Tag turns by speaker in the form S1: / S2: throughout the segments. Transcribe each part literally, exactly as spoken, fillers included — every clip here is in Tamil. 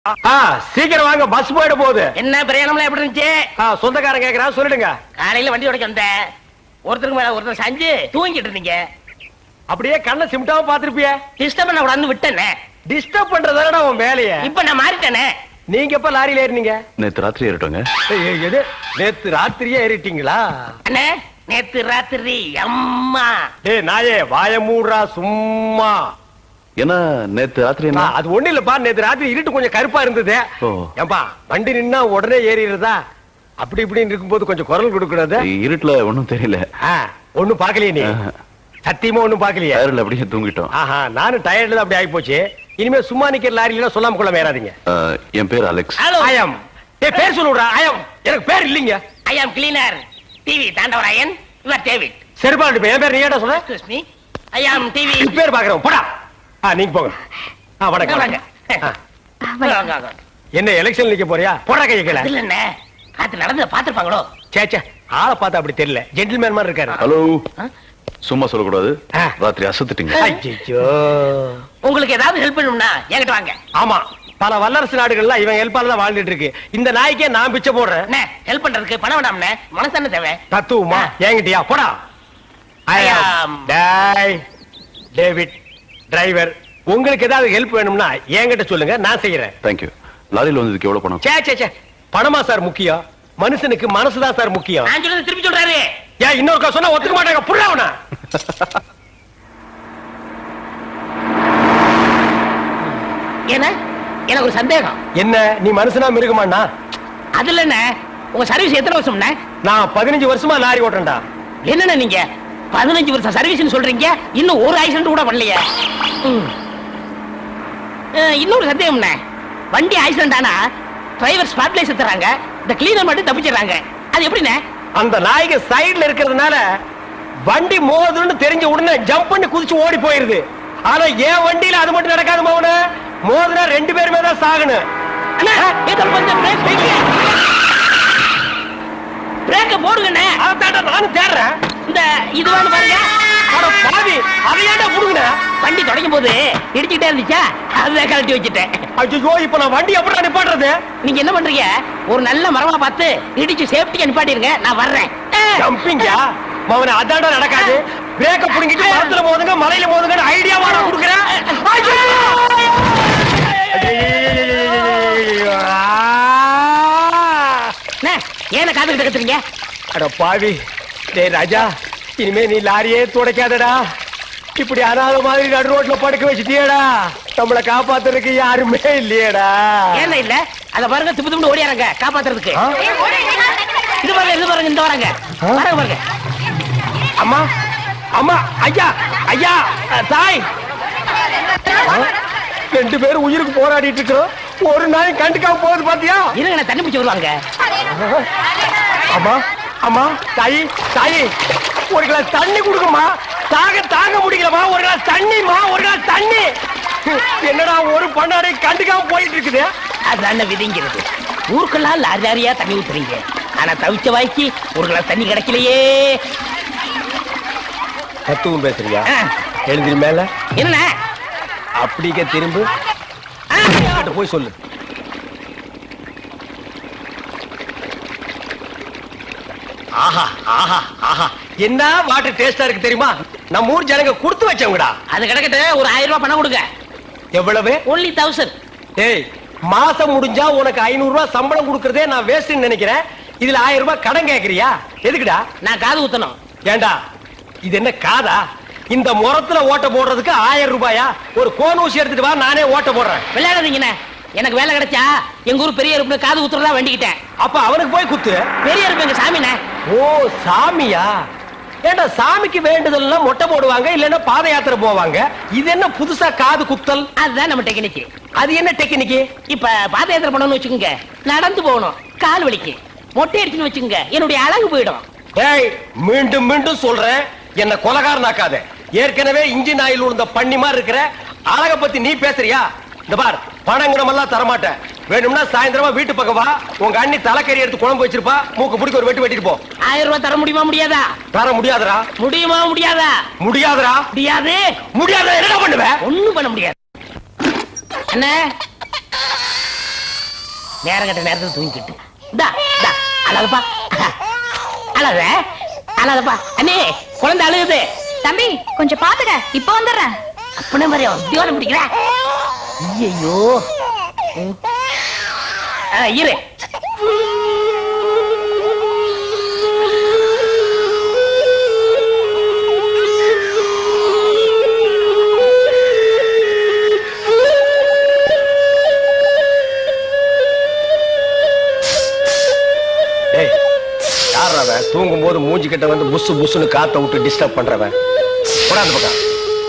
S1: சீக்கிரம் வாங்க, பஸ் போயிட போகுது.
S2: என்ன பிரயாணம்லாம் எப்படி இருந்துச்சு?
S1: சொந்தக்காரன் கேக்குறான், சொல்லிடுங்க.
S2: காலையில வண்டி உடைக்க வந்தேன், ஒருத்தருக்கு மேல ஒருத்தர் சாஞ்சு தூங்கிட்டு இருந்தீங்க.
S1: அப்படியே கண்ணை சிமிட்டாம பாத்துருப்பிய.
S2: டிஸ்டர்ப் பண்ண கூடாதுன்னு விட்டேனே.
S1: டிஸ்டர்ப் பண்றதானடா உன் வேலைய.
S2: இப்ப நான் மாறிட்டேனே.
S1: நீங்க எப்ப லாரியில ஏறினீங்க?
S3: நேத்து ராத்திரி ஏறிட்டோங்க.
S1: எது, நேத்து ராத்திரியே ஏறிட்டீங்களா?
S2: அண்ணே, நேத்து ராத்திரி அம்மா.
S1: டேய் நாயே, வாய மூடுறா சும்மா.
S3: என்ன நேத்து ராத்திரி என்ன?
S1: அது ஒண்ணு இல்லப்பா, நேத்து ராத்திரி இருட்டு கொஞ்சம் கருப்பா இருந்தது. ஏன்பா வண்டி நின்னா உடனே ஏறிடுறதா? அப்படி இப்படின்னு இருக்கும்போது கொஞ்சம் குரல் கொடுக்கூடாது?
S3: இருட்டுல ஒண்ணும் தெரியல.
S1: ஒண்ணும் பாக்கலையே நீ? சத்தியமா ஒண்ணும் பாக்கலையே?
S3: டயர்ல அப்படியே தூங்கிட்டோம்.
S1: ஆஹா, நானும் டயர்ட்ல தான் அப்படி ஆகி போச்சு. இனிமே சும்மா நிக்கிற லாரியில சொல்லாம கொள்ள மேறாதீங்க.
S3: என் பேர் அலெக்ஸ்.
S1: ஐயம். ஏய், பேர் சொல்லுடா. ஐயம். எனக்கு பேர் இல்லீங்க.
S2: I am cleaner TV Thandavarayan. Your David.
S1: சரிபாடு, என் பேர் நீ ஏடா சொன்ன?
S2: Excuse me, I am TV.
S1: பேர் பாக்குறோம், போடா. ஆ, நீங்க போங்க. ஆ, வணக்கம்.
S2: வாங்க.
S1: என்ன எலெக்ஷன் நிக்க போறியா? போடா கைய கீழ.
S2: இல்ல அண்ணே, காத்து நடந்து பாத்துப்பாங்களோ?
S1: சே சே, ஆளை பார்த்தா அப்படி தெரியல. ஜென்டில்மேன் மாதிரி இருக்காரு.
S3: ஹலோ, சும்மா சொல்லக்கூடாது. ராத்திரி அசத்துட்டீங்க.
S1: ஐயோ,
S2: உங்களுக்கு ஏதாவது ஹெல்ப் பண்ணணும்னா என்கிட்ட வாங்க.
S1: ஆமா, பல வல்லரசு நாடுகள்ல இவன் ஹெல்ப்பால தான் வாழ்ந்துட்டு இருக்கு. இந்த நாய்க்கே நான் பிச்சை போடுறேன்.
S2: அண்ணே, ஹெல்ப் பண்றதுக்கு பணம் வேண்டாம்ண்ணே, மனசான தேவை.
S1: தத்துவமா என்கிட்டயா? போடா. ஐ அம் டேய் டேவிட் டிரைவர். உங்களுக்கு ஏதாவது ஹெல்ப் வேணும்னா என்கிட்ட சொல்லுங்க, நான் செய்யறேன்.
S3: Thank you. லாரியில வந்ததுக்கு எவ்வளவு பணம்?
S1: சே சே சே, பணமா சார் முக்கியம்? மனுஷனுக்கு மனசுதான் சார் முக்கியம்.
S2: நான் சொல்றது திருப்பி சொல்றாரு.
S1: ஏன் இன்னொருக்கா சொன்னா ஒத்துக்க மாட்டாங்க, புரியவனா?
S2: என்ன, எனக்கு ஒரு சந்தேகம்.
S1: என்ன, நீ மனுஷனா மிருகமாண்ணா?
S2: அதுல என்ன, உங்க சர்வீஸ் எத்தனை வருஷம்?
S1: நான் பதினஞ்சு வருஷமா லாரி ஓட்டுறேன்டா.
S2: என்னண்ணே நீங்க பதினஞ்சு வருஷம் சர்வீஸ் சொல்றீங்க, இன்னும் ஒரு ஆக்சிடென்ட் கூட பண்ணலையே. இன்னொரு சந்தேகம், வண்டி ஆக்சிடென்ட் ஆனா டிரைவர் ஸ்பாட்ல செத்துறாங்க, இந்த கிளீனர் மட்டும் தப்பிச்சிடறாங்க. அது எப்படிண்ணே?
S1: அந்த நாய்க்கு சைடுல இருக்கிறதுனால வண்டி மோதுன்னு தெரிஞ்ச உடனே ஜம்ப் பண்ணி குதிச்சு ஓடி போயிருது. ஆனா என் வண்டியில அது மட்டும் நடக்காது மௌன. மோதுனா ரெண்டு பேருமே தான் சாகணும்.
S2: பிரேக்க போடுங்கண்ணே.
S1: அதான் நானும் தேடுறேன்.
S2: இந்த இது வேணும் பாருங்க.
S1: பாவி, அதையாண்டா புடுங்க.
S2: வண்டி தொடங்கும் போது இடிச்சுட்டே இருந்துச்சா, அதை கழட்டி வச்சுட்டேன்.
S1: ஐயோ, இப்ப நான் வண்டி எப்படி நிப்பாட்டுறது?
S2: நீங்க என்ன பண்றீங்க, ஒரு நல்ல மரமா பார்த்து இடிச்சு சேஃப்டியா நிப்பாட்டிருங்க, நான் வர்றேன்.
S1: ஜம்பிங்கா மவன, அதாண்டா நடக்காது. பிரேக்க புடுங்கிட்டு மரத்துல மோதுங்க, மலையில மோதுங்க ஐடியாவா நான் கொடுக்குறேன்.
S2: ஏன காத்துக்கிட்டு கத்துறீங்க?
S1: அட பாவி, டேய் ராஜா, இனிமே நீ லாரியே துடைக்காதடா. இப்படி அனாத மாதிரி நடு ரோட்ல படுக்க வச்சுட்டியடா. நம்மளை காப்பாத்துறதுக்கு யாருமே இல்லையடா.
S2: ஏன் இல்ல, அத பாருங்க, திப்பு திப்பு ஓடியாரங்க காப்பாத்துறதுக்கு. இது பாருங்க, இது பாருங்க, இந்த வராங்க பாருங்க பாருங்க.
S1: அம்மா, அம்மா, ஐயா, ஐயா, தாய், ரெண்டு பேரும் உயிருக்கு போராடிட்டு இருக்கிறோம். ஒரு நாய் கண்டுக்காம போகுது பாத்தியா?
S2: இருங்க, தண்ணி பிடிச்சு வருவாங்க.
S1: அம்மா, அம்மா, தாயி, தாயி, ஒரு கிளாஸ் தண்ணி கொடுக்குமா? தாக தாங்க முடியலமா, ஒரு கிளாஸ் தண்ணிமா, ஒரு கிளாஸ் தண்ணி. என்னடா ஒரு பண்ணாடை கண்டுக்காம போயிட்டு இருக்குது?
S2: அதுதான் விதிங்கிறது. ஊருக்கெல்லாம் லாரி லாரியா தண்ணி ஊத்துறீங்க, ஆனா தவிச்ச வாய்க்கு ஒரு கிளாஸ் தண்ணி கிடைக்கலையே.
S1: தத்துவம் பேசுறியா? எழுந்திரி மேல.
S2: என்ன
S1: அப்படிக்க திரும்ப போய் சொல்லு. ஆஹா ஆஹா ஆஹா, என்ன வாட்டர் டேஸ்டா இருக்கு தெரியுமா? நம்ம ஊர் ஜனங்க கொடுத்து வச்சவங்கடா.
S2: அது கிடக்கட்டு, ஒரு ஆயிரம் ரூபாய் பணம் கொடுங்க.
S1: எவ்வளவு?
S2: Only thousand.
S1: ஏய், மாசம் முடிஞ்சா உனக்கு ஐநூறு ரூபாய் சம்பளம் கொடுக்கறதே நான் வேஸ்ட்னு நினைக்கிறேன். இதுல ஆயிரம் ரூபாய் கடன் கேக்குறியா? எதுக்குடா?
S2: நான் காது ஊத்தணும்.
S1: ஏண்டா, இது என்ன காதா? இந்த முறத்துல ஓட்ட போடுறதுக்கு ஆயிரம் ரூபாயா? ஒரு கோன் ஊசி எடுத்துட்டு வா, நானே ஓட்ட போடுறேன்.
S2: விளையாடுறீங்கண்ணே, எனக்கு வேலை கிடைச்சா எங்க ஊர் பெரிய இருப்பு காது ஊத்துறதா வேண்டிக்கிட்டேன்.
S1: அப்ப அவனுக்கு போய் குத்து.
S2: பெரிய இருப்பு எங்க சாமிண்ணே.
S1: ஓ, சாமியா? ஏண்டா, சாமிக்கு வேண்டுதல்னா மொட்டை போடுவாங்க, இல்லன்னா பாத யாத்திரை போவாங்க. இது என்ன புதுசா காது குத்தல்?
S2: அதுதான் நம்ம டெக்னிக்.
S1: அது என்ன டெக்னிக்?
S2: இப்ப பாத யாத்திரை பண்ணணும்னு வச்சுக்கோங்க, நடந்து போகணும், கால் வலிக்கு. மொட்டை அடிச்சுன்னு வச்சுக்கோங்க, என்னுடைய அழகு போயிடும்.
S1: ஏய், மீண்டும் மீண்டும் சொல்றேன், என்ன கொலகாரனாக்காத. ஏற்கனவே இன்ஜின் ஆயில் உள்ள பண்ணி மாதிரி இருக்கிற அழக பத்தி நீ பேசுறியா? இந்த பார், பணங்கடமெல்லாம் தரமாட்டேன். வேணும்னா சாயந்தரமா வீட்டு பக்கம் வா, உங்க அண்ணி தலைக்கறி எடுத்து குழம்பு வச்சிருப்பா, மூக்கு பிடிக்க ஒரு வெட்டு வெட்டிட்டு போ.
S2: ஆயிரம் ரூபாய் தர முடியுமா முடியாதா?
S1: தர முடியாதரா?
S2: முடியுமா முடியாதா?
S1: முடியாதரா?
S2: முடியாது.
S1: முடியாத என்ன பண்ணுவ?
S2: ஒண்ணும் பண்ண முடியாது. என்ன நேரம் கட்ட நேரத்துல தூங்கிக்கிட்டு இந்தா இந்தா அழகப்பா அழக அழகப்பா அண்ணே குழந்தை அழுகுது.
S4: தம்பி கொஞ்சம் பாத்துக்க, இப்ப வந்துடுறேன்.
S2: அப்பன மாதிரி உத்தியோகம் பிடிக்கிற. ஐயோ இரு.
S1: தூங்கும் போது மூஞ்சி கிட்ட வந்து புசு புசுன்னு காத்த விட்டு டிஸ்டர்ப் பண்றவன் போடா அந்த பக்கம்.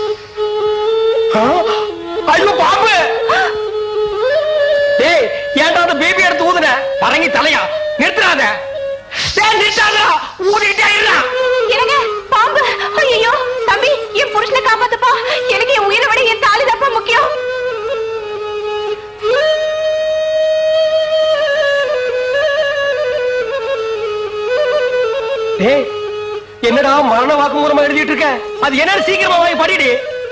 S1: ஐயோ பாம்பு! டேய் ஏன்டா அந்த பேபி எடுத்து ஊதுன? பரங்கி தலையா நிறுத்துறாத. டேய் நிறுத்தாதடா, ஊதிட்டே இருடா.
S4: என்னங்க பாம்பு? ஐயோ தம்பி, என் புருஷனை காப்பாத்துப்பா. எனக்கு என் உயிரை விட என் தாலி தப்பா முக்கியம்.
S1: டேய் என்னடா மரண வாக்குமூலமா எழுதிட்டு இருக்க? அது என்ன சீக்கிரமா வாங்கி படிடி.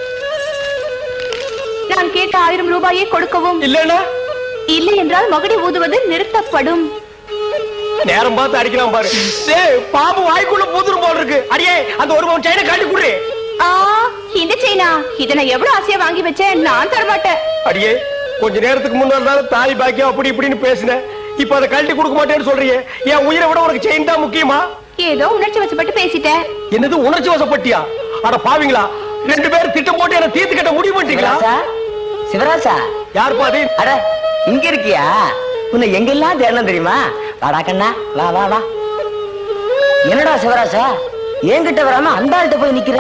S4: நான் கேட்ட ஆயிரம் ரூபாயை கொடுக்கவும்.
S1: இல்லன்னா
S4: இல்லை என்றால் மகுடி ஊதுவது நிறுத்தப்படும்.
S1: நேரம் பார்த்து அடிக்கலாம் பாரு. டேய் பாம்பு வாய்க்குள்ள பூதுரும் போல இருக்கு. அடியே அந்த ஒரு பவுன் செயினை காட்டி குடு.
S4: ஆ இந்த செயினா? இத நான் எவ்வளவு ஆசையா வாங்கி வச்சேன், நான் தர மாட்டேன்.
S1: அடியே கொஞ்ச நேரத்துக்கு முன்னாடி தாலி பாக்கியம் அப்படி இப்படின்னு பேசினேன். இப்ப அதை கழட்டி கொடுக்க மாட்டேன்னு சொல்றீங்க. என் உயிரை விட உனக்கு செயின் தான் முக்கியமா?
S4: ஏதோ உணர்ச்சி வசப்பட்டு பேசிட்டேன்.
S1: என்னது உணர்ச்சி வசப்பட்டியா? அட பாவீங்களா, ரெண்டு பேரும் திட்டம் போட்டு என்ன தீர்த்து கட்ட முடிவு பண்ணிட்டீங்களா?
S5: சிவராசா,
S1: யார் பாதி?
S5: அட இங்க இருக்கியா? உன்னை எங்கெல்லாம் தேடணும் தெரியுமா? வாடா கண்ணா, வா வா வா. என்னடா சிவராசா, என்கிட்ட வராம அந்த ஆள்கிட்ட போய் நிக்கிற?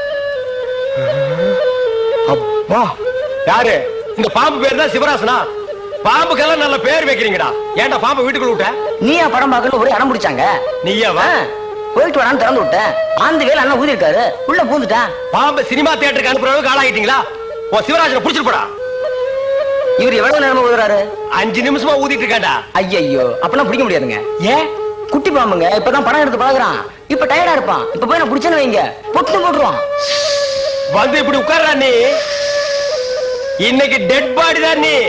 S1: அப்பா யாரு? இந்த பாம்பு பேர் தான் சிவராசனா? பாம்புக்கெல்லாம் நல்ல பேர் வைக்கிறீங்கடா. ஏன்டா பாம்பு வீட்டுக்குள்ள விட்ட?
S5: நீயா படம் பார்க்கணும் ஒரு இடம் முடிச்சாங்க.
S1: நீயா வா?
S5: போயிட்டு வரான்னு திறந்து விட்டேன். ஆந்து வேலை அண்ணா ஊதி இருக்காரு, உள்ள பூந்துட்டான்.
S1: பாம்பு சினிமா தியேட்டருக்கு அனுப்புறவங்க ஆளாகிட்டீங்களா? ஓ சிவராஜனை புடிச்சிட்டு போடா.
S5: இவர் எவ்வளவு நேரமா ஊதுறாரு?
S1: அஞ்சு நிமிஷமா ஊதிட்டு இருக்காண்டா.
S5: ஐயோ அப்பெல்லாம் பிடிக்க முடியாதுங்க.
S1: ஏன்?
S5: குட்டி பாம்புங்க, இப்பதான் படம் எடுத்து பழகுறான். இப்ப டயர்டா இருப்பான். இப்ப போய் நான் பிடிச்சேன்னு வைங்க, பொட்டு போட்டுருவான்.
S1: வந்து இப்படி உட்கார்றா நீ. இன்னைக்கு டெட் பாடி தான் நீ.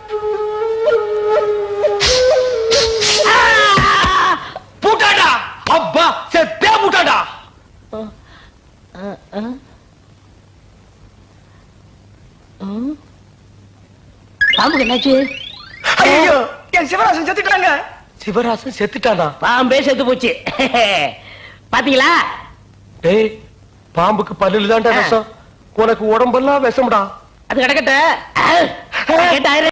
S1: பூட்டாடா, அப்பா செத்தே பூட்டாடா.
S2: பாம்புக்கு என்னாச்சு?
S5: ஐயோ என் சிவராசன் செத்துட்டாங்க.
S1: சிவராசன் செத்துட்டானா?
S2: பாம்பே செத்து போச்சு. பாத்தீங்களா?
S1: டேய் பாம்புக்கு பல்லுல தான்டா விஷம், உனக்கு உடம்பெல்லாம் விஷம்டா.
S2: அது கிடக்கட்ட கேட்டாயிரம்